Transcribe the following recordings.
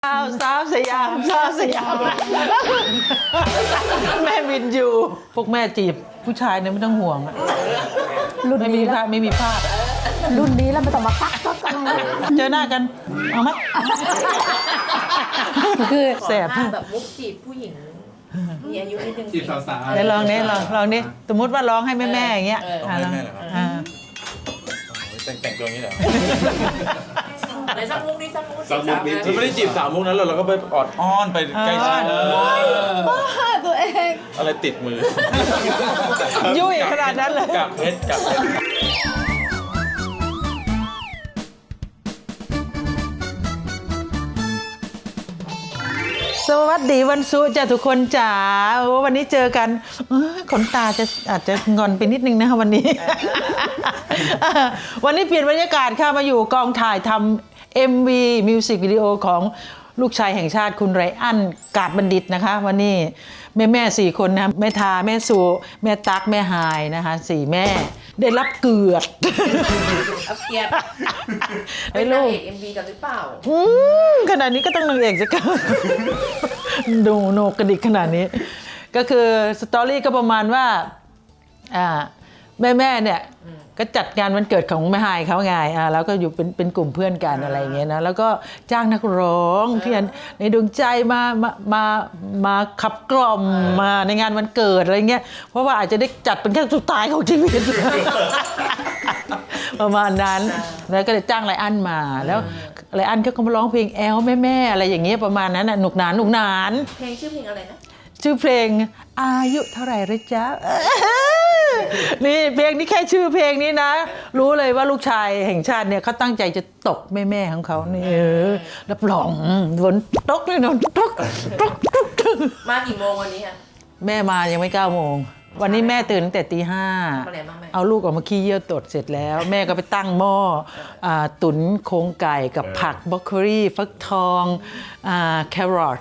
สาวสยามสาวสยามแม่วินอยู่พวกแม่จีบผู้ชายเนี่ยไม่ต้องห่วงอะรุ่นไม่มีพลาดไม่มีพลาดรุ่นนี้แล้วไม่ต้องมาตักอะไรเจอหน้ากันเอาไหมคือแสบแบบมุกจีบผู้หญิงมีอายุนิดนึงจีบสาวๆเดี๋ยวลองนี้ลองนี้สมมติว่าร้องให้แม่ๆอย่างเงี้ยร้องให้แม่เหรอครับแต่งตัวอย่างนี้เหรอไหนสักมุกนี่สักมุกเราไม่ได้จีบสาวมุกนั้นเราก็ไปออดอ้อนไปใกล้ชิดตัวเองอะไรติดมือยุ่ยขนาดนั้นเลยกับเพชรสวัสดีวันศุกร์จ้ะทุกคนจ๋าวันนี้เจอกันขนตาอาจจะงอนไปนิดนึงนะคะวันนี้ วันนี้เปลี่ยนบรรยากาศค่ะมาอยู่กองถ่ายทำ MV มิวสิกวิดีโอของลูกชายแห่งชาติคุณไรอันกาดบัณฑิตนะคะวันนี้แม่4คนนะแม่ทาแม่สุแม่ตั๊กแม่หายนะคะ4แม่ได้รับเกียรติเป็นนางเอก MV กันหรือเปล่าขนาดนี้ก็ต้องนางเอกจะกันดูโนกระดิกขนาดนี้ก็คือสตอรี่ก็ประมาณว่าแม่เนี่ยก็จัดงานวันเกิดของแม่ฮายเขาไงแล้วก็อยู่เป็นกลุ่มเพื่อนกันอะไรอย่างเงี้ยนะแล้วก็จ้างนักร้องที่ในดวงใจมาขับกล่อมมาในงานวันเกิดอะไรเงี้ยเพราะว่าอาจจะได้จัดเป็นครั้งสุดท้ายของชีวิตประมาณนั้นแล้วก็เลยจ้างไรอันมาแล้วไรอันก็มาร้องเพลงแอลแม่อะไรอย่างเงี้ยประมาณนั้นน่ะหนุกหนานเพลงชื่อเพลงอะไรนะชื่อเพลงอายุเท่าไหร่ละจ๊ะนี่เพลงนี้แค่ชื่อเพลงนี้นะรู้เลยว่าลูกชายแห่งชาติเนี่ยเขาตั้งใจจะตกแม่ของเขานี่รับรองฝนตกเลยนอนตกมากี่โมงวันนี้คะแม่มายังไม่9 โมงวันนี้แม่ตื่นตั้งแต่ตี 5เอาลูกออกมาขี้เยี่ยวตดเสร็จแล้วแม่ก็ไปตั้งหม้อตุ๋นโครงไก่กับผักบรอกโคลีฟักทองแครอท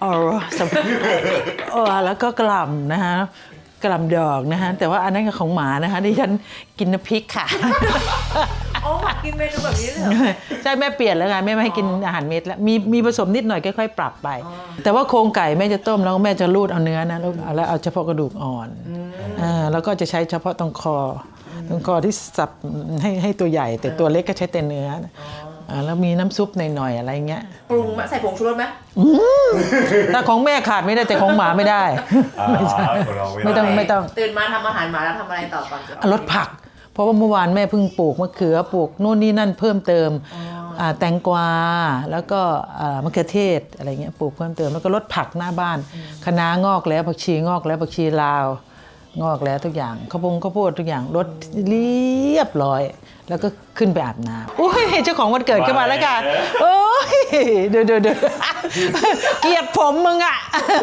แล้วก็กระหล่ำนะฮะกระหล่ำดอกนะฮะแต่ว่าอันนั้นก็ของหมานะคะดิฉันกินน้ำพริกค่ะอ๋อหมากินเมนูแบบนี้เลยเหรอใช่แม่เปลี่ยนแล้วไงแม่ไม่ให้กินอาหารเม็ดแล้วมีผสมนิดหน่อยค่อยๆปรับไปแต่ว่าโครงไก่แม่จะต้มแล้วแม่จะรูดเอาเนื้อนะแล้วเอาเฉพาะกระดูกอ่อนแล้วก็จะใช้เฉพาะตรงคอที่สับให้ตัวใหญ่แต่ตัวเล็กก็ใช้แต่เนื้อแล้วมีน้ำซุปหน่อยๆอะไรเงี้ยปรุงใส่ผงชูรสไหมแต่ของแม่ขาดไม่ได้แต่ของหมาไม่ได้ไม่ต้องตื่นมาทำอาหารหมาแล้วทำอะไรต่อก่อนลดผักเพราะว่าเมื่อวานแม่เพิ่งปลูกมะเขือปลูกนู่นนี่นั่นเพิ่มเติมแตงกวาแล้วก็มะเขือเทศอะไรเงี้ยปลูกเพิ่มเติมแล้วก็ลดผักหน้าบ้านคะน้างอกแล้วผักชีงอกแล้วผักชีลาวงอกแล้วทุกอย่างข้าวโพดทุกอย่างลดเรียบร้อยแล้วก็ขึ้นไปอาบน้ำโอ้ยเจ้าของวันเกิดขึ้นมาแล้วค่ะโอ้ยเดี๋ยวเกลียดผมมึงอ่ะ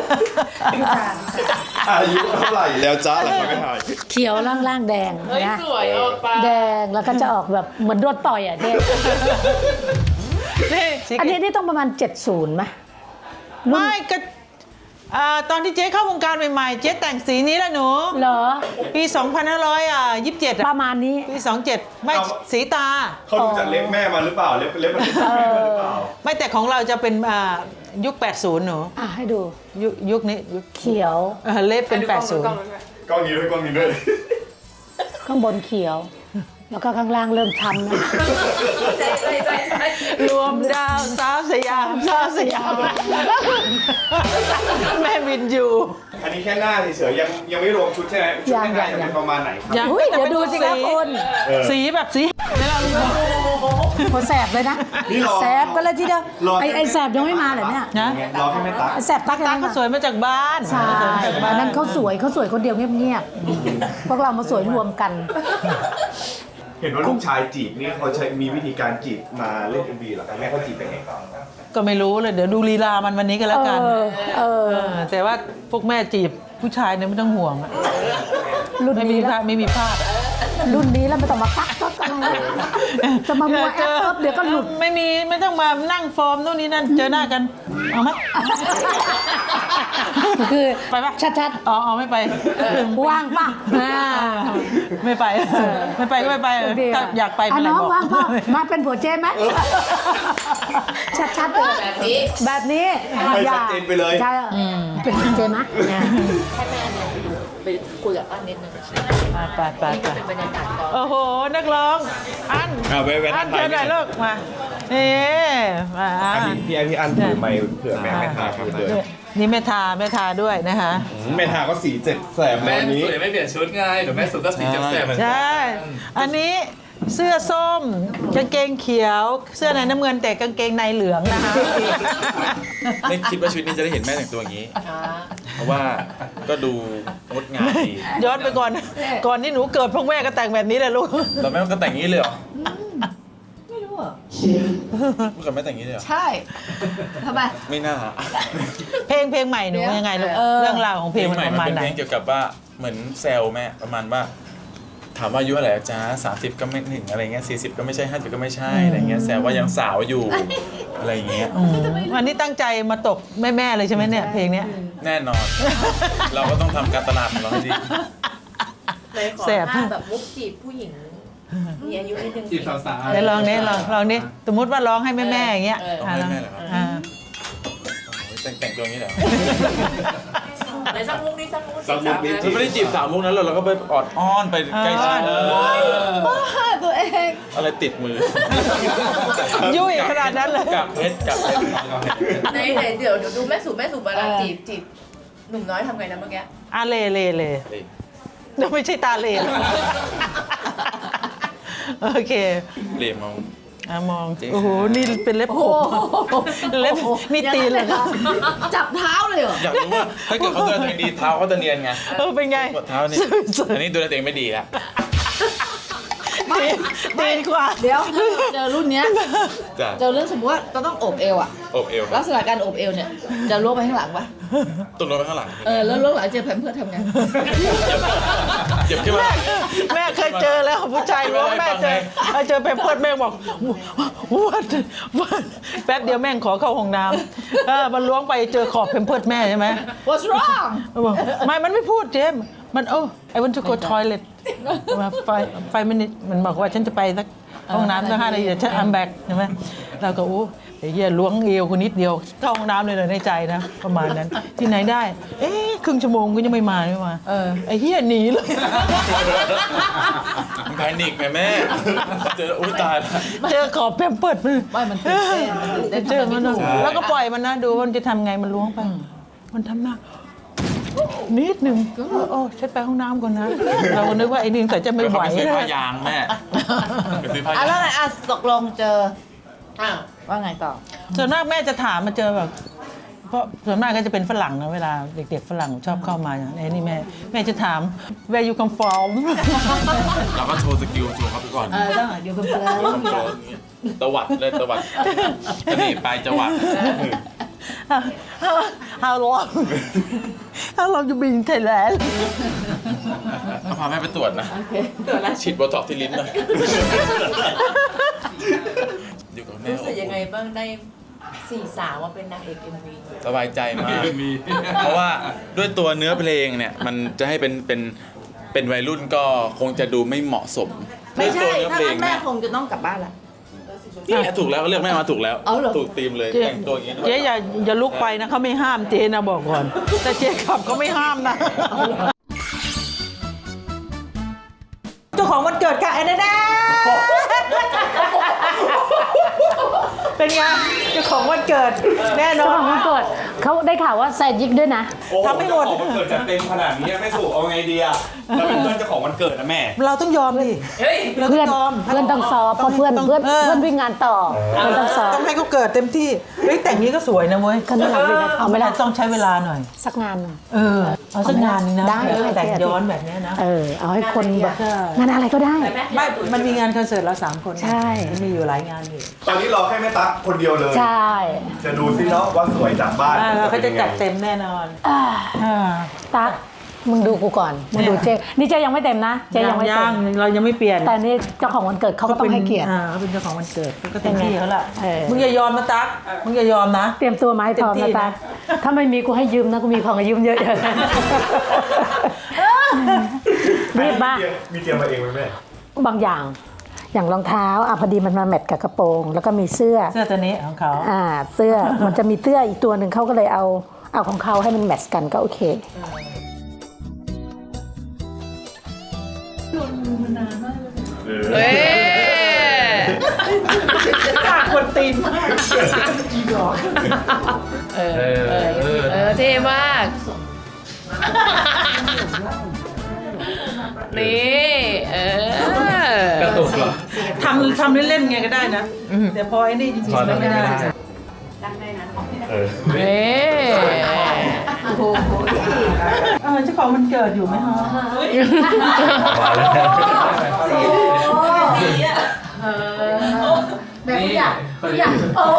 อายุเท่าไหร่แล้วจ้าหลังไม่ถ่ายเขียวล่างแดงนะแดงแล้วก็จะออกแบบเหมือนโดนต่อยอ่ะเจ๊อันนี้ต้องประมาณ70ไหมไม่ก็ตอนที่เจ๊เข้าวงการใหม่ๆเจ๊แต่งสีนี้แหละหนูเหรอปี2527 ประมาณนี้ปี27ไม่สีตาเขาดูจากเล็บแม่มาหรือเปล่าเล็บมันหรือเปล่าไม่แต่ของเราจะเป็นยุค80หนูให้ดูยุคนี้ยุคเขียวเล็บเป็น80 กล้องนี้ด้วยข้างบนเขียวแล้วก็ข้างล่างเริ่มช้ำนะรวมดาวสาวสยามแม่วินอยู่อันนี้แค่หน้าเฉยๆยังไม่รวมชุดใช่ไหมชุดแต่งงานจะเป็นประมาณไหนครับเดี๋ยวดูสิคะคุณสีแบบสีไม่ลองดูพอแสบเลยนะแสบก็เลยทีเดียวไอ้แสบยังไม่มาเหรอเนี่ยนะรอให้แม่ตั๊กแสบตั๊กเขาสวยมาจากบ้านใช่อันนั้นเขาสวยคนเดียวเงียบๆพวกเรามาสวยรวมกันเห็นว่าลูกชายจีบนี่เขาใช้มีวิธีการจีบมาเล่น MV เหรอครับแม่เขาจีบยังไงก็ไม่รู้เลยเดี๋ยวดูลีลามันวันนี้ก็แล้วกันแต่ว่าพวกแม่จีบผู้ชายเนี่ยไม่ต้องห่วงรุ่นไม่มีพลาดรุ่นนี้แล้วไม่ต้องมากักอะไรจะมามัวแอปเอิบเดี๋ยวก็หลุดไม่ต้องมานั่งฟอร์มนู่นนี่นั่นเจอหน้ากันเอาไหมคือไปปะชัดอ๋อไม่ไปๆว่างป่ะไม่ไปไม่ไปก็ไม่ไปถ้าอยากไปเป็นไรน้องบอกว่างป่ะมาเป็นผัวเจ๊ไหมชัดๆเลยแบบนี้แบบนี้ไม่ชัดเจนไปเลยใช่เป็นผัวเจ๊ไหมให้แม่เดินไปคุยกับอันนิดนึงไปนี่ก็เป็นบรรยากาศก่อนโอ้โหนักร้องอันเอาไปอันเชิญหน่อยลูกมานี่มาพี่อันถือไมค์เผื่อแม่ทาพูดเลยนี่แม่ทาด้วยนะคะแม่ทาก็สีเจ็ดแสบแม่วันนี้สวยไม่เปลี่ยนชุดไงเดี๋ยวแม่สุดก็สีแสบๆเหมือนกัใช่ อันนี้เสื้อส้มกางเกงเขียว เสื้อในน้ำเงินแต่กางเกงในเหลืองนะคะไม่คิดว่าชุดนี้จะได้เห็นแม่แต่งตัวอย่างนี้ เพราะว่าก็ดูงดงามดีย้อนไปก่อนที่หนูเกิดพ่อแม่ก็แต่งแบบนี้แหละลูกเราแม่ก็แต่งอย่างนี้เลยเหรอ ไม่รู้อ่ะเมื่อก่อนแม่แต่งอย่างนี้เลยเหรอใช่ทำไมไม่น่าเพลงใหม่หนูยังไงลูกเรื่องราวของเพลงมันใหม่ประมันมาณเป็นไหนเพลงเกี่ยวกับว่าเหมือนแซวแม่ประมาณว่า ถามว่าอายุเท่าไหร่จ๊ะ30 ก็ไม่ถึงอะไรเงี้ย40 ก็ไม่ใช่50 ก็ไม่ใช่อะไรเงี้ยแซวว่ายังสาวอยู่อะไรอย่างเงี้ยวันนี้ตั้งใจมาตกแม่เลยใช่ไหมเนี่ยเพลงเนี้ยแน่นอน เราก็ต้องทำการตลาดของเราให้ดีเลยขอแสบท่าแบบมุกจีบผู้หญิงมีอายุนิดนึงจีบสาวเดี๋ยวลองนี้ลองนี้สมมติว่าร้องให้แม่อย่างเงี้ยร้องให้แม่เหรอครับอ่าแต่งตัวอย่างนี้เหรอไหนสักมุกนี่สักมุกสักมุกนี้เราไม่ได้จีบสาวมุกนั้นเราก็ไปออดอ้อนไปใกล้ชิดตัวเองอะไรติดมือยุ่ยขนาดนั้นเลยกับเพชรกับเพชรไหนเดี๋ยวดูแม่สูเวลาจีบหนุ่มน้อยทำไงนะเมื่อกี้อ่ะเลไม่ใช่ตาเลโอเคเหลี่ยมเอาอ่ะมองโอ้โหนี่เป็นเล็บขบเล็บนี่ตีนเลยนะจับเท้าเลยเหรออยากรู้ว่าถ้าเกิดเขาดูแลตัวเองดีเท้าเขาจะเนียนไงเป็นไงปวดเท้านี่อันนี้ดูแลตัวเองไม่ดีละตีนกว่าเดี๋ยวเจอรุ่นเนี้ยจ้ะเจอเรื่องสมมติว่าเราต้องโอบเอวอะอบเอวลักษณะการโอบเอวเนี่ยจะล้วงไปข้างหลังปะตุ่นลงไปข้างหลังแล้วล้วงหลังเจอแผ่นเพื่อทำไงเจ็บขึ้นมาแม่เคยเจอแล้วผู้ชายร้องแม่เจอไปเพิดแม่บอกวัดแป๊บเดียวแม่งขอเข้าห้องน้ำมันล้วงไปเจอขอบเพมเพิร์ดแม่ใช่ไหม What's wrong บอกมันไม่พูดเจมส์มันI want to go toilet มา5 minutes มันบอกว่าฉันจะไปสักห้องน้ำสัก5 นาทีเดี๋ยวฉัน I'm back ใช่ไหมเราก็ไอ้เหี้ยล้วงเอวคนนิดเดียวเข้าห้องน้ำเลยในใจนะประมาณนั้นที่ไหนได้ครึ่งชั่วโมงก็ยังไม่มาไอ้เหี้ยหนีเลยมันแพนิคไงแม่เจออุ้ยตายแล้วเจอขอบแพมเพิร์ดมันไม่มันตื่นเต้นมันตื่นเต้นเจอมันทำไถูกแล้วก็ปล่อยมันนะดูว่ามันจะทำไงมันล้วงไป มันทำหน้านิดหนึ่งฉันไปห้องน้ำก่อนนะ เราก็นึกว่าไอ้นี่ใส่จะไม่ไหวไปซื้อนะผ้ายางแม่ไปซื้อผ้าอ่ะยางแล้วไงตกลงเจออ้าวว่าไงต่อส่วนมากแม่จะถามมาเจอแบบ เพราะส่วนมากก็จะเป็นฝรั่งนะเวลาเด็กๆฝรั่งชอบเข้ามาไอ้นี่แม่จะถาม where you come from เราก็โชว์สกิลโชว์เขาไปก่อนต้องเดี๋ยวกันไปแล้วตวัดเลยตวัดเสน่ห์ปลายจวัด how long you been in Thailand เขาพาแม่ไปตรวจนะฉีดโบท็อกซ์ที่ลิ้นหน่อยอยู่กับแม่รู้สึกยังไงบ้างได้4 สาวมาเป็นนางเอก MV สบายใจมากเพราะว่าด้วยตัวเนื้อเพลงเนี่ยมันจะให้เป็นวัยรุ่นก็คงจะดูไม่เหมาะสมไม่ใช่ด้วยตัวเนื้อถ้าเพลงั้งนแม่เนี่ยคงจะต้องกลับบ้านละนี่ถูกแล้วเลือกแม่มาถูกแล้วเอาเหรอถูกธีมเลยเจ๊แต่งตัวอย่างนี้ด้วยเจ๊อย่าลุกไปนะเขาไม่ห้ามเจ๊นะบอกก่อน แต่เจ๊ขับเขาไม่ห้ามนะ เจ้าของวันเกิดค่ะไอ้แน่เป็นไงเจ้าของวันเกิดแน่นเจ้าอขนองวันเกิดเขาได้ข่าวว่าใส่ยิกด้วยนะทำให้หมดของวันเกิดจะเต็มขนาดนี้ไม่ถูกเอาไงดีอะเราเป็นเพื่อนเจ้าของวันเกิดนะแม่เราต้องยอมดิเฮ้ยเราต้เพื่ออนงยอมเพื่อนต้องสอบเพราะเพื่อนวิ่งงานต่อเพื่อนต้องสอบต้องให้เขาเกิดเต็มที่เฮ้ยแต่งนี้ก็สวยนะเว้ยก็น่ารักดีนะเอาไหมล่ะต้องใช้เวลาหน่อยสักงานหนึ่งเอาสักงานนึงนะได้แต่งย้อนแบบนี้นะเอาให้คนแบบใช่งานอะไรก็ได้ไม่มันมีงานคอนเสิร์ตเรา3 คนใช่มันมีอยู่หลายงานอยู่ตอนนี้รอแค่แม่ตั๊กคนเดียวเลยใช่จะดูซิเนาะว่าสวยจากบ้านเราก็จะจัดเต็มแน่นอนอ่าอ่าตั๊กมึงดูกูก่อนมึงดูเจ๊นี่เจ๊ยังไม่เต็มนะเจ๊ยังไม่เต็ย่างมเรายังไม่เปลี่ยนแต่นี่เจ้าของวันเกิดเขาก็ต้องให้เกียรติเขาเป็นเจ้าของวันเกิดก็เต็มที่เขาละเออมึงอย่ายอมนะตั๊กมึงอย่ายอมนะเตรียมตัวมาให้พร้อมเต็มที่นะนะตาถ้าไม่มีกูให้ยืมนะกูมีของให้ยืมเยอะๆรีบมามีเตรียมมาเองไหมแม่บางอย่างรองเท้าพอดีมันมาแมทกับกระโปรง แล้วก็มีเสื้อเสื้อตัวนี้ของเขาเสื้อมันจะมีเสื้ออีกตัวหนึ่งเขาก็เลยเอาของเขาให้มันแมทช์กันก็โอเคเฮ้ยปากคนตีนมากเท่มาก นี่กระตุกเหรอทำเล่นๆไงก็ได้นะแต่พอไอ้นี่จริงๆไม่ได้นี่เจ้าของมันเกิดอยู่ไหมคะแบบนี้อยากโอ้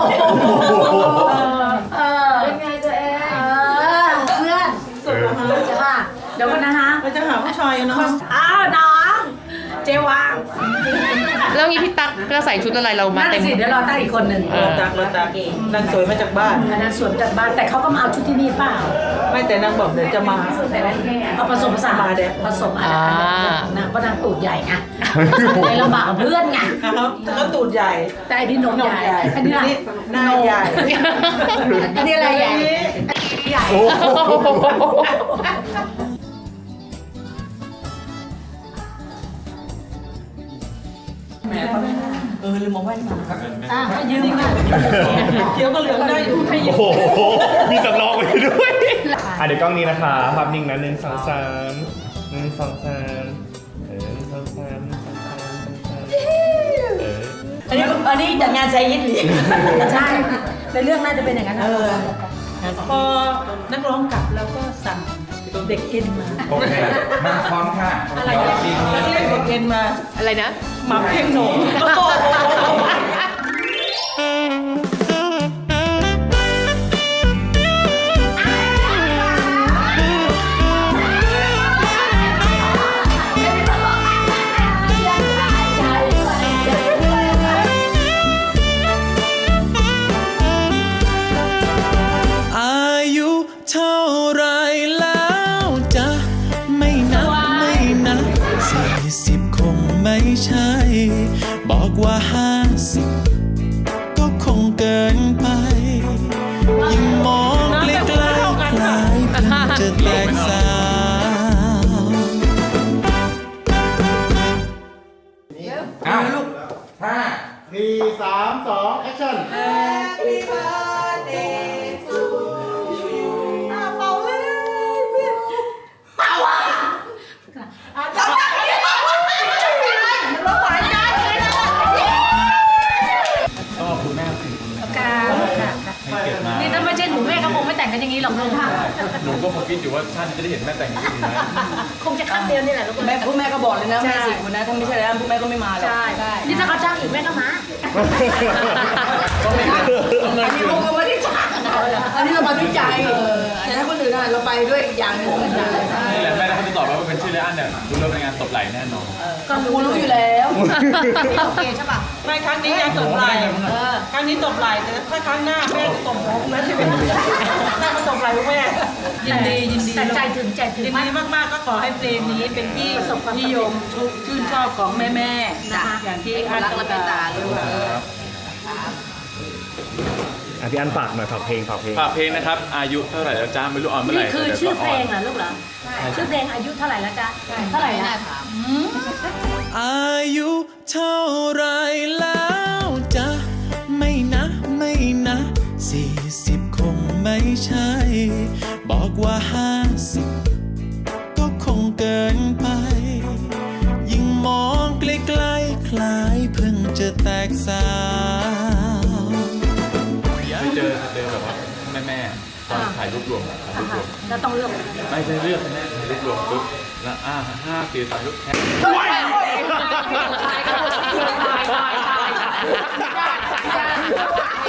เป็นไงตัวเองเพื่อนจะว่าเดี๋ยวกันนะฮะเราจะหาผู้ชายเนาะน้องเจวางแล้วงี้พี่ตั๊กก็ใส่ชุดอะไรเรามานั่นเต็มสิเดี๋ยวรอตั้งอีกคนหนึ่งเราตักนางสวยมาจากบ้านอันนั้นสวนจากบ้านแต่เขาก็มาเอาชุดที่นี่เปล่าไม่แต่นางบอกเดี๋ยวจะมาเอาผสมผสานมาเดี๋ยวผสมอะไรนางก็นางตูดใหญ่ไงในลำบากกับเพื่อนไงเขาตูดใหญ่แต่อันนี้นมใหญ่อันนี้หน้าใหญ่อันนี้อะไรใหญ่ใหญ่ลืมมองแว่นมาให้ยืมมาเขียวก็เหลืองได้อยู่ให้ยืโอ้มโห มีสำรองไว้ด้วย เดี๋ยวกล้องนี้นะคะภาพนิ่งนะ1 2 3 1 2 3 1 2 3 1 2 3 1 2 3 อันนี้จากงานไซยิดหรือใช่ในเรื่องน่าจะเป็นอย่างนั้นนะพอนักร้องกลับแล้วก็สั่งเด็กเอ็นมาโอเค มาพร้อมค่ะอะไรเนี่ยเรียกเด็กเอ็นมาอะไรนะหม่ำเพ่งหนงอายุเท่าไรแล้วจะไม่นับ40 คงไม่ใช่ บอกว่า50 ก็คงเกินไป ยิ่งมองใกล้ๆคล้ายเพิ่งจะแตกสาวอ้าวลูกห้า 4 3 2 แอคชั่นก็คุณแม่สิคุณแม่ให้เกียรติมานี่ถ้าไม่ใช่หนูแม่ก็คงไม่แต่งกันอย่างนี้หรอกลูกหนูก็คงคิดอยู่ว่าชาตินี้จะได้เห็นแม่แต่งอย่างนี้ไหมคงจะครั้งเดียวนี่แหละลูกแม่พวกแม่ก็บอกเลยนะแม่สิคุณนะถ้าไม่ใช่แล้วพวกแม่ก็ไม่มาหรอกใช่นี่ถ้าเขาจ้างอีกแม่ก็มาต้องไม่เงินอันนี้คืพวกนเราไม่ได้จ่ายอันนี้เรามาด้วยใจแต่ถ้าคนอื่นเราไปด้วยอีกอย่างหนึงนี่แหละแม่เขาจะตอบว่าเป็นชื่อเลอันเนี่ยรู้เรื่องในงานตบไหล่แน่นอนก็รู้อยู่แล้วโอเคใช่ป่ะไม่ครั้งนี้ยังตบไหล่ครั้งนี้ตบไหล่แต่ถ้าครั้งหน้าแม่ตบหัวแม่ที่เป็นหน้ามาตบไหล่พวกแม่ยินดีแต่ใจถึงใจถึงยินมากดีมากๆก็ขอให้เพลงนี้เป็นที่นิยมชื่นชอบของแม่ๆนะคะอย่างที่อันรักและเมตตาลูกพี่อันฝากหน่อยฝากเพลงฝากเพลงนะครับ อายุเท่าไหร่แล้วจ้าไม่รู้ออนเมื่อไหร่นี่คือชื่อเพลงเหรอลูกเหรอชื่อเพลงอายุเท่าไหร่แล้วจ๊ะเท่าไหร่แล้วอายุเท่าไรแล้วจะไม่40 คงไม่ใช่ บอกว่า50 ก็คงเกินไป ยิ่งมองใกล้ๆคล้ายเพิ่งจะแตกสาวไปเจอแบบว่าแม่ตอนถ่ายรูปรวมแล้วต้องเลือกไม่ใช่เลือกแม่ถ่ายรูปรวมปุ๊บแล้ว5 ปีถ่ายรูปแค่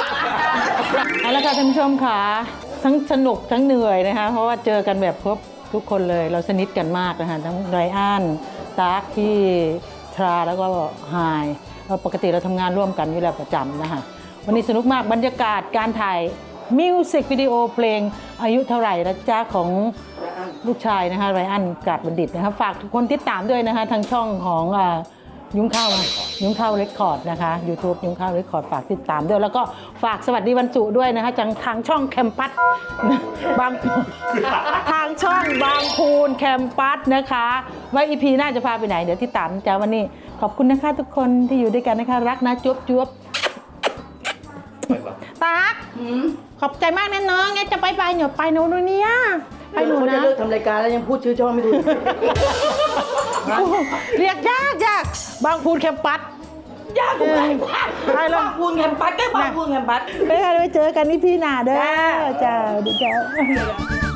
เอาละค่ะท่านผู้ชมค่ะทั้งสนุกทั้งเหนื่อยนะคะเพราะว่าเจอกันแบบทุกคนเลยเราสนิทกันมากนะคะทั้งไรอันตาร์คพี่ทราแล้วก็ไฮปกติเราทำงานร่วมกันอยู่แล้วประจำนะคะวันนี้สนุกมากบรรยากาศการถ่ายมิวสิกวิดีโอเพลงอายุเท่าไหร่นะจ๊ะของลูกชายนะคะไรอันกาดบัณฑิตนะคะฝากทุกคนติดตามด้วยนะคะทางช่องของยุ้งข้าวเรคคอร์ดนะคะ YouTube ยุ้งข้าวเรคคอร์ดฝากติดตามด้วยแล้วก็ฝากสวัสดีวันศุกร์ด้วยนะคะทางช่องแคมปัสบางทางช่องบางพูนแคมปัสนะคะว่า EP หน่าจะพาไปไหนเดี๋ยวติดตามนะจ๊ะวันนี้ขอบคุณนะคะทุกคนที่อยู่ด้วยกันนะคะรักนะจุ๊บจุ๊บตากขอบใจมากนะน้องไงจะไปหนูไปหนูเนี่ยไปหนูเขานะจะเลิกทำรายการแล้วยังพูดชื่อช่องไม่ถูกเรียกยากบางพูนแคมปัสยากกูไปไปเลยบางพูนแคมปัสก็บางพูนแคมปัสไปเจอกันที่พี่นาเด้อจ้าดีจ้า